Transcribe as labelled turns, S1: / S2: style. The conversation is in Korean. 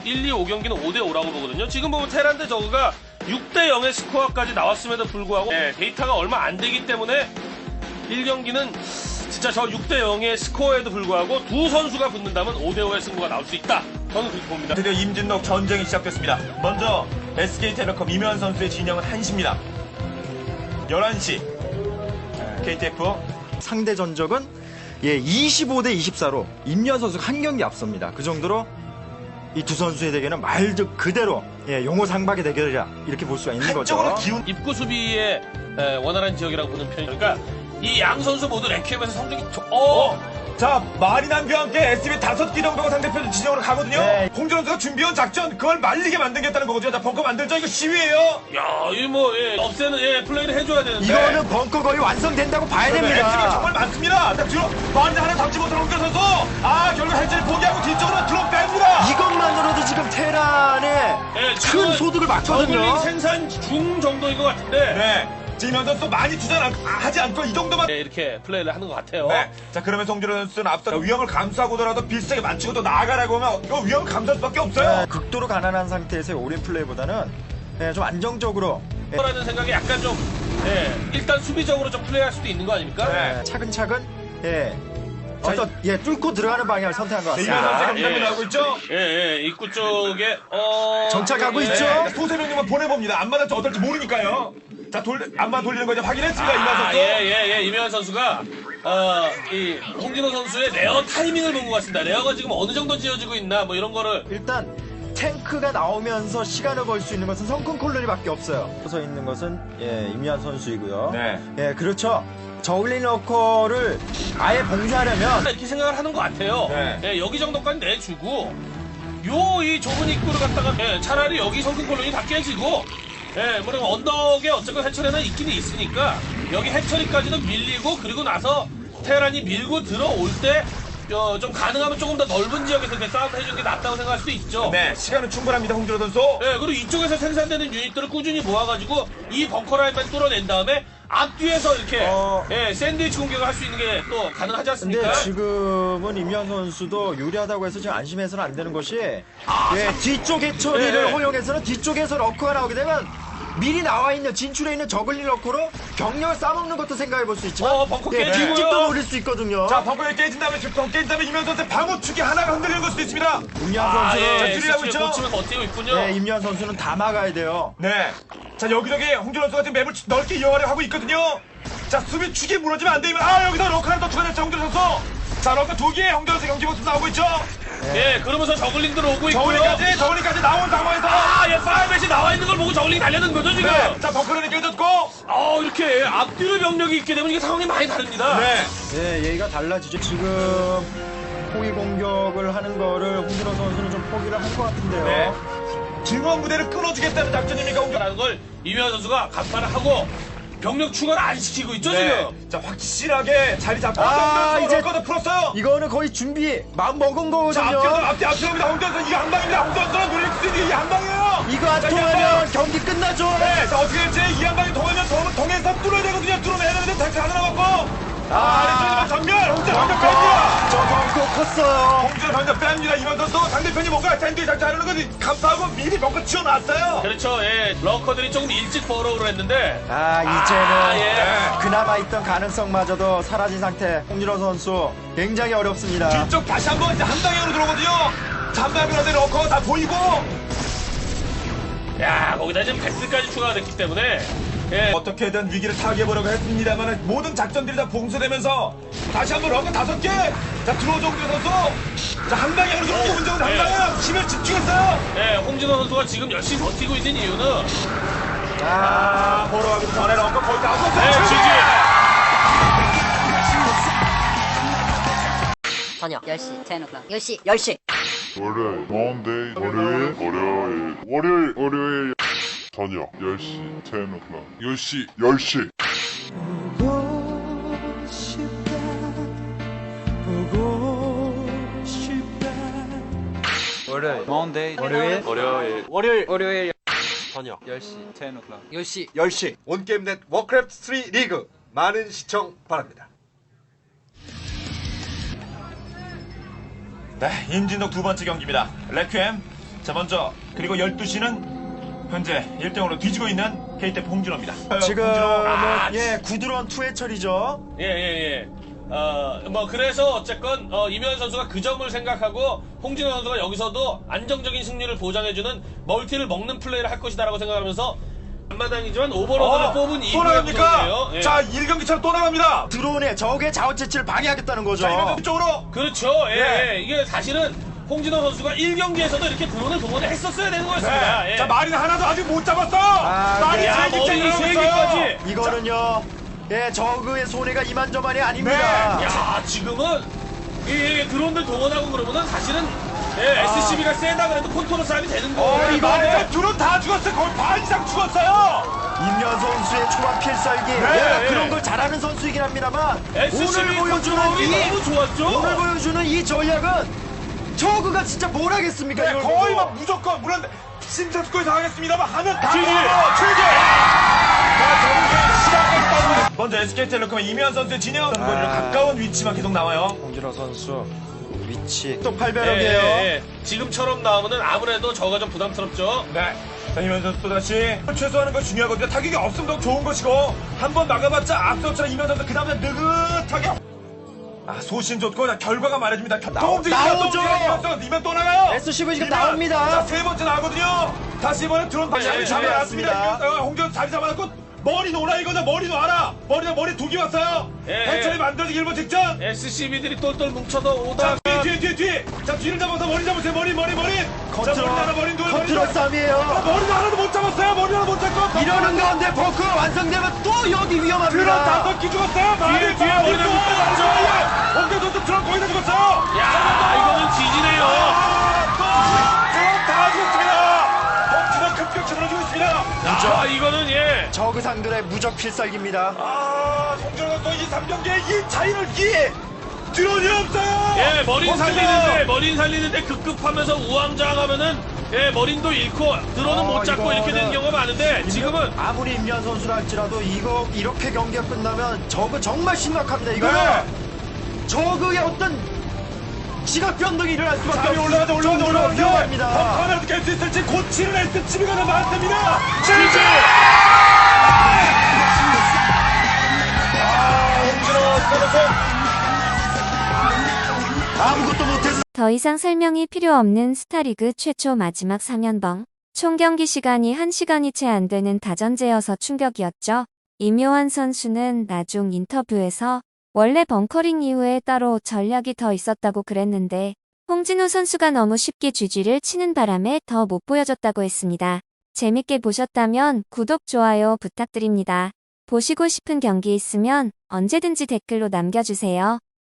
S1: 1, 2, 5경기는 5대5라고 보거든요. 지금 보면 테란 대 저그가 6대0의 스코어까지 나왔음에도 불구하고 데이터가 얼마 안 되기 때문에 1경기는 진짜 저 6대0의 스코어에도 불구하고 두 선수가 붙는다면 5대5의 승부가 나올 수 있다. 저는 그렇게 봅니다.
S2: 드디어 임진록 전쟁이 시작됐습니다. 먼저 SK텔레콤 이면 선수의 진영은 1시입니다. 11시 KTF
S3: 상대 전적은 25대 24로 임현 선수가 한 경기 앞섭니다. 그 정도로 이 두 선수의 대결은 말 그대로 용호상박의 대결이라 이렇게 볼 수가 있는 거죠.
S2: 한쪽으로 기운
S1: 입구 수비의 원활한 지역이라고 보는 편이니까 그러니까 이 양 선수 모두 랭크에서 성적이
S2: 자, 마리남과 함께 SB 5기 정도가 상대편 진영으로 가거든요.
S3: 네.
S2: 홍준 선수가 준비한 작전, 그걸 말리게 만들겠다는 거거든요. 자, 벙커 만들자. 이거 시위예요.
S1: 야, 이 뭐 없애는 플레이를 해줘야 되는데
S3: 이거는 벙커 거의 완성된다고 봐야
S2: SB가
S3: 됩니다.
S2: 정말 많습니다. 자, 뒤로 마리 하나 잡지 못한 홍준 선수. 결국 해체를 포기하고 뒤쪽으로 들어 뺍니다.
S3: 이것만으로도 지금 테란에 큰
S1: 지금은
S3: 소득을
S1: 저글링
S3: 맞거든요.
S1: 생산 중 정도인 것 같은데
S2: 네. 지금 선수 많이 투자하지 않고 이 정도만.
S1: 이렇게 플레이를 하는 것 같아요.
S2: 네. 자, 그러면서 홍준 선수는 앞서 위험을 감수하고더라도 비슷하게 맞추고 또 나아가라고 하면 이거 위험 감수할 수밖에 없어요.
S3: 극도로 가난한 상태에서의 올인 플레이보다는 좀 안정적으로
S1: 라는 생각이 약간 좀 일단 수비적으로 좀 플레이할 수도 있는 거 아닙니까?
S2: 네.
S3: 차근차근 어떤 뚫고 들어가는 방향을 선택한 것
S2: 이면
S3: 같습니다.
S2: 선수가 공격이 나오고 있죠.
S1: 입구 쪽에
S3: 정착하고 있죠?
S2: 소세명님만 보내봅니다. 안마다 어떨지 모르니까요. 자, 안마 돌리는 거 이제 확인했습니다. 이만 선수.
S1: 이명환 선수가 이 홍진호 선수의 레어 타이밍을 본 것 같습니다. 레어가 지금 어느 정도 지어지고 있나 뭐 이런 거를
S3: 일단 탱크가 나오면서 시간을 벌 수 있는 것은 성큰 콜로니밖에 없어요. 서 있는 것은 임현 선수이고요.
S2: 네.
S3: 그렇죠. 저울린 러커를 아예 봉쇄하려면
S1: 이렇게 생각을 하는 것 같아요.
S2: 네.
S1: 여기 정도까지 내주고 이 좁은 입구를 갖다가 차라리 여기 성큰 콜론이 다 깨지고 뭐냐면 언덕에 어쨌건 해처리는 있기는 있으니까 여기 해처리까지는 밀리고 그리고 나서 테란이 밀고 들어올 때 좀 가능하면 조금 더 넓은 지역에서 이렇게 싸움을 해주는 게 낫다고 생각할 수도 있죠.
S2: 네, 시간은 충분합니다. 홍준호 선수.
S1: 그리고 이쪽에서 생산되는 유닛들을 꾸준히 모아가지고 이 벙커 라인만 뚫어낸 다음에 앞뒤에서 이렇게 샌드위치 공격을 할 수 있는 게 또 가능하지 않습니까?
S3: 근데 지금은 임현 선수도 유리하다고 해서 지금 안심해서는 안 되는 것이 뒤쪽 해처리를 허용해서는 뒤쪽에서 러커가 나오게 되면 미리 나와 있는 진출해 있는 저글링 러커로 병력을 싸먹는 것도 생각해 볼 수 있지만
S1: 벙커 깨지고요.
S3: 뒷집도 노릴 수 있거든요.
S2: 자, 벙커에 깨진 다음에 이면 선수의 방어축이 하나가 흔들리는 걸 수도 있습니다.
S3: 임현 선수는
S2: 자, 줄이라고 있죠?
S1: 고치면서 버티고 있군요.
S3: 임현 선수는 다 막아야 돼요.
S2: 네. 자, 여기저기 홍준호 선수가 지금 맵을 넓게 이용하려고 하고 있거든요. 자, 수비 축이 무너지면 안 되면 여기서 러커 하나 더 추가됐죠, 홍준호 선수. 자, 러커 2개 홍준호 선수 경기 모습 나오고 있죠.
S1: 그러면서 저글링들 오고 있고요.
S2: 저울링까지 나온 상황에서
S1: 파이벳이 나와 있는 걸 보고 저글링이 달려든 거죠 지금.
S2: 네. 자, 벙커는 깨졌고.
S1: 이렇게 앞뒤로 병력이 있게 되면 이게 상황이 많이 다릅니다.
S2: 네.
S3: 얘기가 달라지죠. 지금 포기 공격을 하는 거를 홍진호 선수는 좀 포기를 한 것 같은데요.
S2: 네. 증원 무대를 끊어주겠다는 작전입니까, 홍준호?
S1: 라는 걸 이명환 선수가 간파를 하고 병력 추가를 안 시키고 있죠 지금.
S2: 자, 확실하게 자리 잡고
S3: 이제
S2: 러커도 풀었어요.
S3: 이거는 거의 준비 마음 먹은
S2: 자,
S3: 거거든요.
S2: 앞뒤입니다. 홍준호 선수 이게 한 방입니다. 홍준호 선수 노릴 수 있는 게 이 한 방이에요.
S3: 이거 안 통하면 경기 끝나죠.
S2: 네, 자, 어떻게 될지 이 한 방이 통하면 동해서 뚫어야 되거든요. 뚫어내야 되는데 다시 하나 남았고. 아래쪽에만 전멸! 홍준호 전멸 뺍니다!
S3: 저 벙커 컸어요.
S2: 홍준호 전멸 뺍니다. 이번 선수 상대편이 뭔가 샌드위치 작전하는 건 감사하고 미리 벙커 치워놨어요.
S1: 그렇죠. 러커들이 조금 일찍 버러우를 했는데
S3: 이제는 그나마 있던 가능성마저도 사라진 상태. 홍진호 선수 굉장히 어렵습니다.
S2: 뒤쪽 다시 한번 이제 한 방향으로 들어오거든요. 자, 한 방향으로 하는데 러커 다 보이고.
S1: 거기다 지금 패스까지 추가가 됐기 때문에
S2: 어떻게든 위기를 타개해보려고 했습니다만 모든 작전들이 다 봉쇄되면서 다시 한번 러커 5개. 자, 들어오죠, 홍준호 선수. 자, 한 방향으로 들어오고 문정은 한 방향. 힘을 집중했어요.
S1: 홍진호 선수가 지금 열심히 버티고 있는 이유는
S2: 보러 가기 전에 러커 거의 다 없었어요.
S4: 저녁 10시 10o'clock 10시
S5: 월요일, Monday, 월요일, 저녁 10시, 10o'clock, 10시.
S6: 월요일, Monday, 월요일, 저녁 10시, 10o'clock,
S7: 10시 온게임넷 워크래프트 3 리그 많은 시청 바랍니다.
S2: 네, 임진덕 두 번째 경기입니다. 레퀴엠 자, 먼저 그리고 12시는 현재 1등으로 뒤지고 있는 KT 홍진호입니다.
S3: 지금은
S2: 홍진호,
S3: 예 구드론 투해철이죠.
S1: 예. 뭐 그래서 어쨌건 이면 선수가 그 점을 생각하고 홍진호 선수가 여기서도 안정적인 승리를 보장해주는 멀티를 먹는 플레이를 할 것이다라고 생각하면서 앞마당이지만 오버로드를 뽑은
S2: 또
S1: 이후의
S2: 나갑니까?
S1: 구성이에요. 예.
S2: 자, 1경기처럼 또 나갑니다.
S3: 드론에 적의 자원 채취를 방해하겠다는 거죠.
S2: 자, 이면 쪽으로.
S1: 그렇죠. 예. 이게 사실은 홍진호 선수가 1경기에서도 이렇게 드론을 동원을 했었어야 되는 거였습니다.
S2: 네.
S1: 예.
S2: 자, 마린 하나도 아직 못 잡았어. 마린
S1: 야,
S2: 세
S1: 머리
S2: 개째
S1: 세
S2: 들어갔어요.
S1: 개까지.
S3: 이거는요. 예, 저그의 손해가 이만저만이
S2: 네.
S3: 아닙니다.
S1: 야, 지금은 이 드론들 동원하고 그러면은 사실은 SCB가 세다 그래도 컨트롤 싸움이 되는 거예요.
S2: 이거 둘은 다 죽었어요. 거의 반 이상 죽었어요.
S3: 임현 선수의 초반 필살기
S2: 네,
S3: 그런 걸 잘하는 선수이긴 합니다만
S1: SCB
S3: 오늘 보여주는
S1: 컨트롤이 너무 좋았죠.
S3: 오늘 보여주는 이 전략은 저그가 진짜 뭘 하겠습니까?
S2: 네,
S3: 이걸
S2: 거의
S3: 보고.
S2: 막 무조건 물론 심사숙고에 당하겠습니다만 하면 다
S1: 지지.
S2: 최대. 먼저 SK텔레콤의 이면 선수의 진영 선거리로 가까운 위치만 계속 나와요.
S3: 홍진호 선수 위치 또 8배럭이에요.
S1: 지금처럼 나오면은 아무래도 저가 좀 부담스럽죠.
S2: 네. 자, 이면 선수 또다시 최소화하는 건 중요하거든요. 타격이 없으면 더 좋은 것이고 한 번 막아봤자 앞서처럼 이면 선수 그 다음에 느긋하게 소신 좋고 그냥 결과가 말해줍니다.
S3: 나오죠.
S2: 이면 또 나가요.
S3: SCV 지금
S2: 이면.
S3: 나옵니다.
S2: 자, 세 번째 나거든요. 다시 이번에 드론 다시
S1: 네,
S2: 자리
S3: 준비해놨습니다.
S2: 잡아놨습니다. 홍준 자리 잡아놨고 머리 놓으라 이거죠. 머리 놓아라. 머리 두 개 왔어요. 해철이 만들어지기 일본 직전.
S1: SCB들이 똘똘 뭉쳐서
S2: 자,
S1: 오다가
S2: 뒤. 자, 뒤를 잡아서 머리 잡으세요. 머리. 자, 머리 하나, 머리 둘, 머리 둘.
S3: 컨트롤 싸움이에요.
S2: 머리 하나도 못 잡았어요. 머리 하나 못 잡고.
S3: 이러는 가운데 버크 완성되면 또 여기
S2: 드론
S3: 위험합니다.
S2: 5개 죽었어요.
S1: 뒤에 머리 좀 붙었죠.
S2: 홍대 선수 드론 거의 다 죽었어요.
S1: 야, 이거는 지지네요.
S2: 드론 다 죽었습니다. 드론 급격히 무너지고 있습니다.
S1: 아, 이거는
S3: 저그 상들의 무적 필살기입니다.
S2: 홍준호 선수 이 3경기에 이 차이를 드론이 없어요.
S1: 머린 살리는데 급급하면서 우왕좌왕하면은 머린도 잃고 드론은 못 잡고 이렇게 되는 경우가 많은데 지금은
S3: 아무리 임현 선수라 할지라도 이렇게 경기가 끝나면 저그 정말 심각합니다. 이거는
S2: 네.
S3: 저그의 어떤 지각 변동이 일어날 수밖에
S2: 잠이
S3: 없습니다.
S2: 올라가자.
S3: 위험합니다.
S2: 펑커를 깰 수 있을지 고치는 SCB가 더 많습니다. 실제. 홍준호 선수.
S3: 아무것도 못해서
S8: 더 이상 설명이 필요 없는 스타리그 최초 마지막 3연봉. 총 경기 시간이 1시간이 채 안 되는 다전제여서 충격이었죠. 임요환 선수는 나중 인터뷰에서 원래 벙커링 이후에 따로 전략이 더 있었다고 그랬는데 홍진호 선수가 너무 쉽게 GG를 치는 바람에 더 못 보여줬다고 했습니다. 재밌게 보셨다면 구독, 좋아요 부탁드립니다. 보시고 싶은 경기 있으면 언제든지 댓글로 남겨주세요.